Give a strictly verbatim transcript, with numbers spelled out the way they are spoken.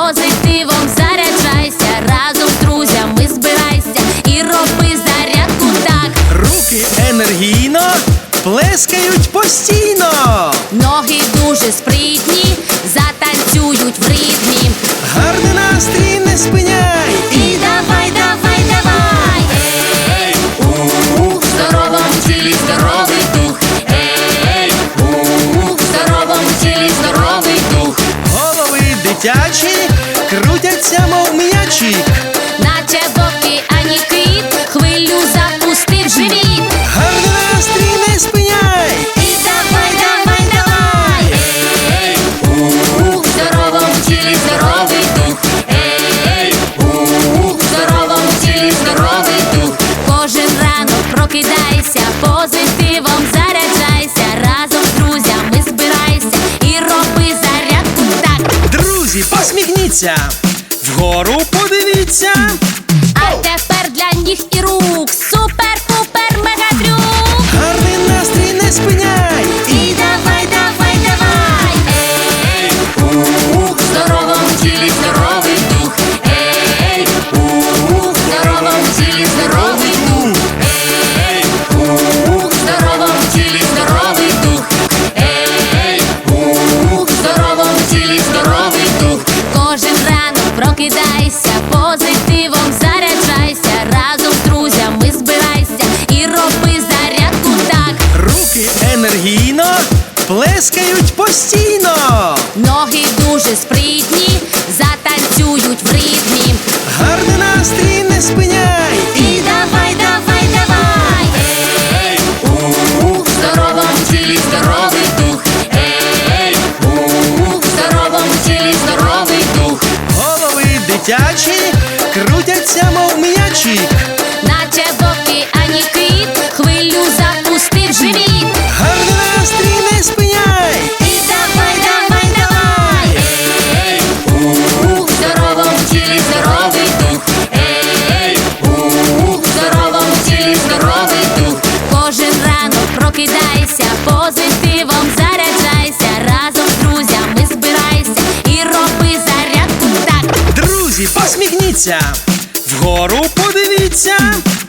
позитивом заряджайся, разом з друзями збирайся і роби зарядку так. Руки енергійно плескають постійно. Ноги дуже спритні, затанцюють в ритмі. Гарний настрій не спиняй. І давай, давай, давай. Ей, у, в здоровому тілі здоровий дух. Ей, у, в здоровому тілі здоровий дух. Голови дитячі крутяться, мов м'ячі. Наче в океані кит, хвилю запустив живіт. Гарний настрій не спиняй. І давай, давай, давай. Ей, у, в здоровому тілі здоровий дух. Ей, у, в здоровому тілі здоровий дух. Кожен ранок прокидайся, позитивом заряджайся, разом з друзями збирайся і роби зарядку так. Друзі, посміхніться, вгору подивіться. А тепер для ніг і рук супер-пупер мегатрюк. Гарний настрій не спиняй. І давай, давай, давай. Ей, у, в здоровому тілі здоровий дух. Ей, у, в здоровому тілі здоровий дух. Ей, у, в здоровому тілі здоровий дух. Ей, у, в здоровому тілі здоровий дух. Кожен ранок прокидайся, позитивом заряджайся, разом з друзями збирайся і роби зарядку так. Руки енергійно плескають постійно. Ноги дуже спритні, затанцюють в ритмі. Гарний настрій не спиняй. І давай, давай, давай. Ей, у, в здоровому тілі здоровий дух. Ей, у, в здоровому тілі здоровий дух. Голови дитячі крутяться, мов м'ячі. Наче в океані кит, хвилю запустив живіт. Гарний настрій не спиняй. І давай, давай, давай. Ей, у, в здоровому тілі здоровий дух. Ей, у, в здоровому тілі здоровий дух. Кожен ранок прокидайся, позитивом заряджайся, разом з друзями збирайся і роби зарядку так. Друзі, посміхніться, вгору подивіться.